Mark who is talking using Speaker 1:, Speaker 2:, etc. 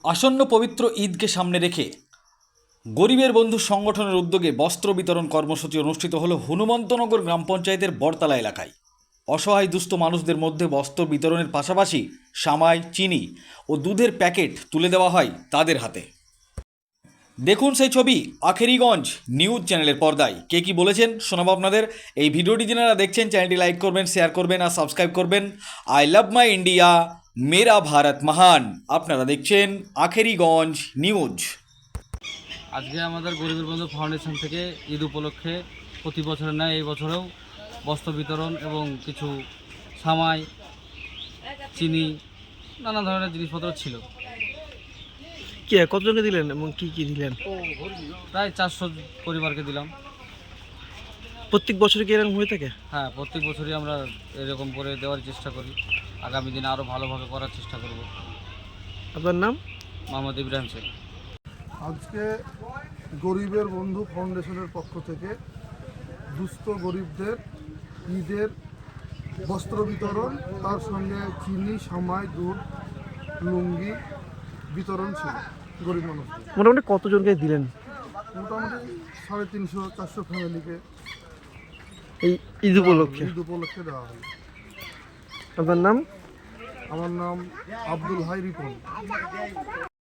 Speaker 1: আসন্ন পবিত্র ঈদকে সামনে রেখে গরিবের বন্ধু সংগঠনের উদ্যোগে বস্ত্র বিতরণ কর্মসূচি অনুষ্ঠিত হলো হনুমন্তনগর গ্রাম পঞ্চায়েতের বড়তলা এলাকায়। অসহায় দুস্থ মানুষদের মধ্যে বস্ত্র বিতরণের পাশাপাশি সামাই, চিনি ও দুধের প্যাকেট তুলে দেওয়া হয় তাদের হাতে। দেখুন সেই ছবি আখেরিগঞ্জ নিউজ চ্যানেলের পর্দায়। কে কি বলেছেন শোনাবো আপনাদের। এই ভিডিওটি যারা দেখছেন চ্যানেলটি লাইক করবেন, শেয়ার করবেন আর সাবস্ক্রাইব করবেন। আই লাভ মাই ইন্ডিয়া, মেরা ভারত মহান। আপনারা দেখছেন আখেরিগঞ্জ নিউজ।
Speaker 2: আজকে আমাদের গরিবের বন্ধু ফাউন্ডেশন থেকে ঈদ উপলক্ষে প্রতি বছরের ন্যায় এই বছরেও বস্ত্র বিতরণ এবং কিছু সামাই, চিনি, নানা ধরনের জিনিসপত্র ছিল।
Speaker 3: কতজনকে দিলেন এবং কি কি দিলেন?
Speaker 2: প্রায় 400 পরিবারকে দিলাম।
Speaker 3: প্রত্যেক বছর কি এরকম হয়ে থাকে?
Speaker 2: হ্যাঁ, প্রত্যেক বছরই আমরা এরকম করে দেওয়ার চেষ্টা করি। আগামী দিনে আরও ভালোভাবে করার চেষ্টা করব।
Speaker 3: আপনার নাম?
Speaker 2: মোহাম্মদ ইব্রাহিম শেখ।
Speaker 4: আজকে গরিবের বন্ধু ফাউন্ডেশনের পক্ষ থেকে দুস্থ গরিবদের ঈদের বস্ত্র বিতরণ, তার সঙ্গে চিনি, সামাই, দুধ, লুঙ্গি বিতরণ ছিল গরিব মানুষদের।
Speaker 3: মোটামুটি কতজনকে দিলেন
Speaker 4: মোটামুটি 350-400 ফ্যামিলিকে
Speaker 3: এই ঈদ উপলক্ষে?
Speaker 4: ঈদ উপলক্ষে দেওয়া হলো।
Speaker 3: আপনার নাম?
Speaker 4: আমার নাম আব্দুল হাই রিপন।